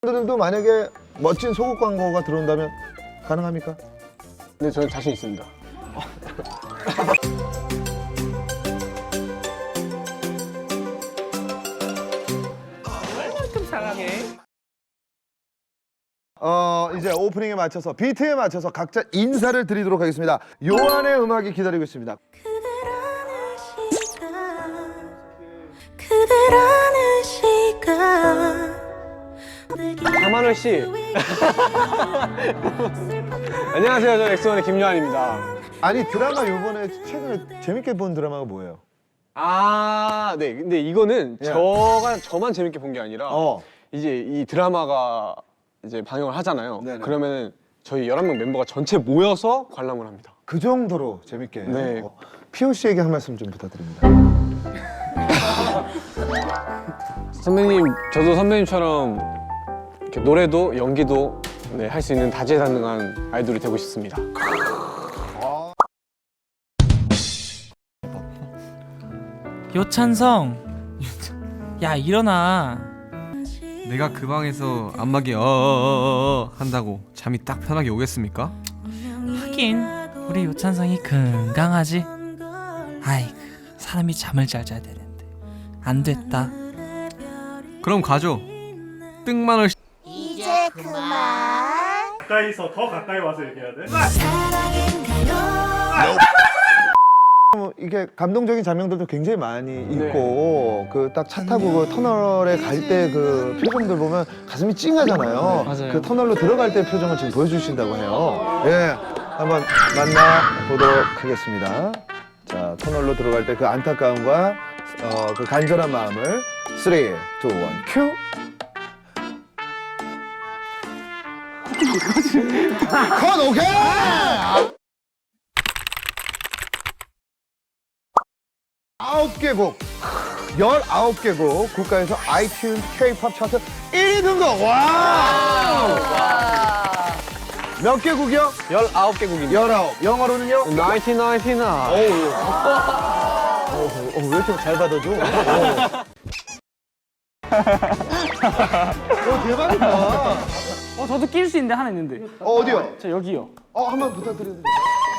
들도 만약에 멋진 속옷 광고가 들어온다면 가능합니까? 네, 저는 자신 있습니다. 얼만큼 사랑해? 이제 오프닝에 맞춰서 비트에 맞춰서 각자 인사를 드리도록 하겠습니다. 요한의 음악이 기다리고 있습니다. 그대라는 시간 강만월 씨. 안녕하세요. 저 엑소원의 김요한입니다. 아니 드라마 요번에 최근에 재밌게 본 드라마가 뭐예요? 아, 네. 근데 이거는 야. 저만 재밌게 본 게 아니라 어. 이제 이 드라마가 이제 방영을 하잖아요. 네네. 그러면은 저희 11명 멤버가 전체 모여서 관람을 합니다. 그 정도로 재밌게. 네. 피오 씨에게 한 말씀 좀 부탁드립니다. 선배님, 저도 선배님처럼 이렇게 노래도 연기도 네, 할 수 있는 다재다능한 아이돌이 되고 싶습니다. 요찬성, 야 일어나. 내가 그 방에서 안마기 어어어어 한다고 잠이 딱 편하게 오겠습니까? 하긴 우리 요찬성이 건강하지. 아이 사람이 잠을 잘 자야 되는데 안 됐다. 그럼 가죠. 뜬만을 이제 그만 가까이서 더 가까이 와서 얘기해야 돼? 사랑인가요? 이게 감동적인 장면들도 굉장히 많이 있고 그 딱 차 타고 그 터널에 갈 때 그 표정들 보면 가슴이 찡하잖아요. 맞아요. 그 터널로 들어갈 때 표정을 지금 보여주신다고 해요. 예, 한번 만나 보도록 하겠습니다. 자, 터널로 들어갈 때 그 안타까움과 그 간절한 마음을 3, 2, 1, 큐. 컷 오케이. 9개 곡, 19개 곡, 국가에서 아이튠즈 K-팝 차트 1위 등극! 와! 몇 개 곡이요? 19개국입니다. 19. 영어로는요? 1999. 왜 이렇게 잘 받아줘? 대박이다. 저도 낄 수 있는데 하나 있는데. 어디요? 저 여기요. 한번 부탁드려도 돼요?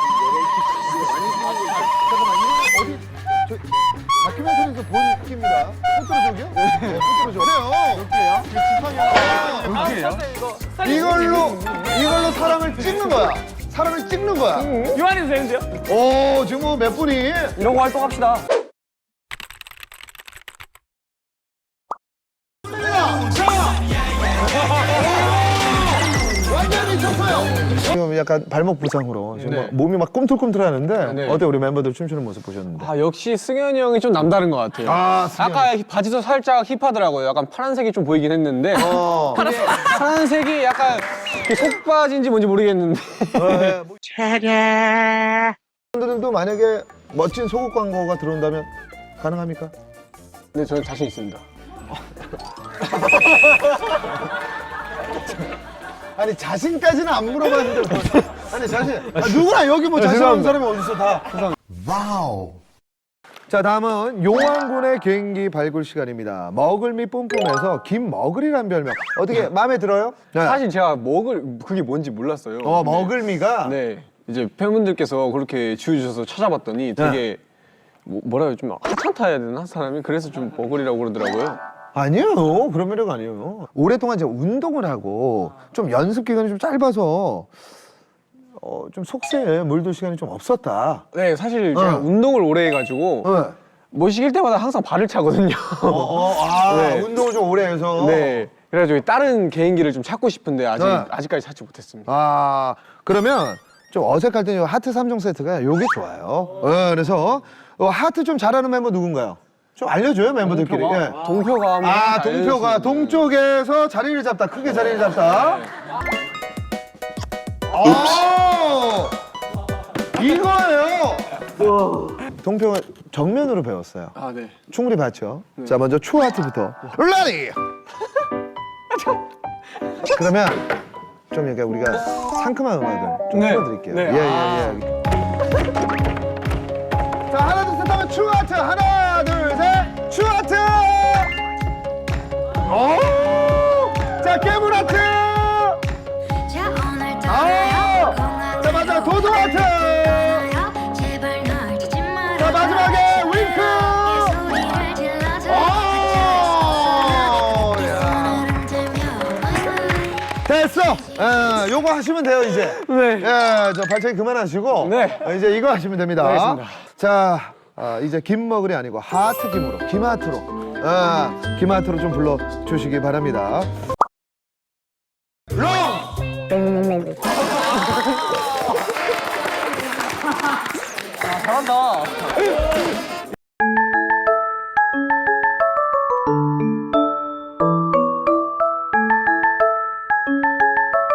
잠깐만요. 어디? 저 다큐멘터리에서 본 끼입니다. 포트로족이요? 네, 포트로족. 그래요? 몇 개요? 이걸로 사람을 찍는 거야. 사람을 찍는 거야. 요한이도 되는데요? 오, 지금 뭐 몇 분이? 이러고 활동합시다. 완전히 쳤어요. 지금 약간 발목 부상으로 지금 막 몸이 막 꿈틀꿈틀하는데 네. 어때 우리 멤버들 춤추는 모습 보셨는데? 아, 역시 승현이 형이 좀 남다른 것 같아요. 아까 바지도 살짝 힙하더라고요. 약간 파란색이 좀 보이긴 했는데 파란색이 약간 그 속바지인지 뭔지 모르겠는데 분들도 만약에 멋진 속옷 광고가 들어온다면 가능합니까? 네, 저는 자신 있습니다. 아니 자신까지는 안 물어봤는데 뭐. 아니 자신 누구나 여기 뭐 자신 없는 사람이 어딨어 다. 와우. 자 다음은 요한군의 개인기 발굴 시간입니다. 머글미 뿜뿜에서 김머글이란 별명 어떻게 마음에 들어요? 사실 제가 그게 뭔지 몰랐어요. 머글미가 네, 이제 팬분들께서 그렇게 지어주셔서 찾아봤더니 되게 뭐라 해요, 좀 하찮다 해야 되나 사람이? 그래서 좀 머글이라고 그러더라고요. 아니에요. 그런 매력 아니에요. 오랫동안 이제 운동을 하고 좀 연습 기간이 좀 짧아서 좀 속세에 물들 시간이 좀 없었다. 네, 사실 제가 운동을 오래 해가지고 뭐 시킬 때마다 항상 발을 차거든요. 네. 운동을 좀 오래 해서. 네, 그래가지고 다른 개인기를 좀 찾고 싶은데 아직까지 찾지 못했습니다. 그러면 좀 어색할 때는 하트 3종 세트가 요게 좋아요. 그래서 하트 좀 잘하는 멤버 누군가요? 좀 알려줘요 멤버들끼리. 예. 동표가 한번 동표가 동쪽에서 자리를 잡다. 크게 자리를 잡다. 이거예요. 동표가 정면으로 배웠어요. 아, 네. 충분히 봤죠. 자 먼저 추하트부터 레디. 그러면 좀 이렇게 우리가 상큼한 음악을 좀 네. 틀어드릴게요. 네. 예. 자 하나 둘 셋 하면 추하트 하나 둘 셋 추하트. 자 깨물어 됐어. 요거 하시면 돼요 이제. 네. 예, 저 발차기 그만하시고. 네. 이제 이거 하시면 됩니다. 알겠습니다. 자, 이제 김머글이 아니고 하트 김으로, 김하트로, 김하트로 좀 불러 주시기 바랍니다. 롱. 잘한다.